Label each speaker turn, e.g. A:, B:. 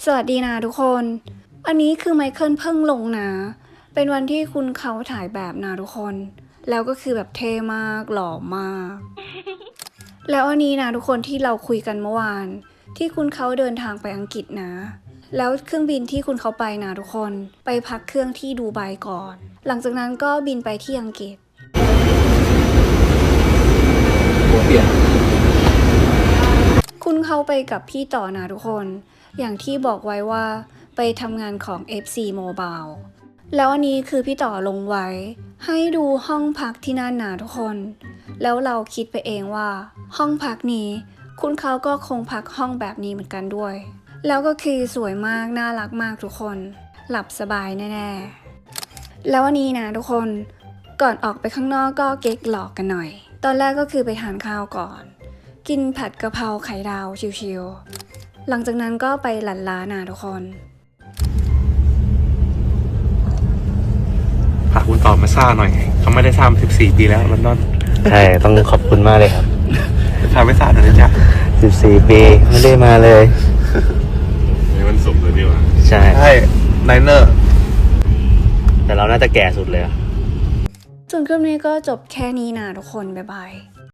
A: สวัสดีนะทุกคน อันนี้คือไมเคิลเพิ่งลงนะ เป็นวันที่คุณเขาถ่ายแบบนะทุกคน แล้วก็คือแบบเท่มากหล่อมาก แล้วอันนี้นะทุกคนที่เราคุยกันเมื่อวาน ที่คุณเขาเดินทางไปอังกฤษนะ แล้วเครื่องบินที่คุณเขาไปนะทุกคน ไปพักเครื่องที่ดูไบก่อน หลังจากนั้นก็บินไปที่อังกฤษ คุณเข้าไปกับพี่ต่อนะทุกคน อย่างที่บอกไว้ว่าไปทำงานของ FC Mobile แล้วอันนี้คือพี่ต่อลงไว้ ให้ดูห้องพักที่นั่นนะทุกคน แล้วเราคิดไปเองว่าห้องพักนี้คุณเขาก็คงพักห้องแบบนี้เหมือนกันด้วย แล้วก็คือสวยมากน่ารักมากทุกคน หลับสบายแน่ๆ แล้ววันนี้นะทุกคน ก่อนออกไปข้างนอกก็เก๊กหลอกกันหน่อย ตอนแรกก็คือไปทานข้าวก่อน กินผัดกะเพราไข่ดาวชิวๆ หลังจากนั้นก็ไปหลั่นล้านะทุกคน
B: พาคุณต่อมาซ่าหน่อยเขาไม่ได้ซ่ามา14 ปีแล้วลอนดอน
C: ใช่ต้องขอบคุณมากเลยครับ
B: พาไปซ่าหน่อยนะจ๊ะ
C: 14 ปีไม่ได้มาเลย
B: ในวันศุกร์เลยดีกว่า
C: ใช่
B: ใช่ไนเนอร์
C: แต่เราน่าจะแก่สุดเลยอะ
A: ส่วนคลิปนี้ก็จบแค่นี้นะทุกคน บ๊ายบาย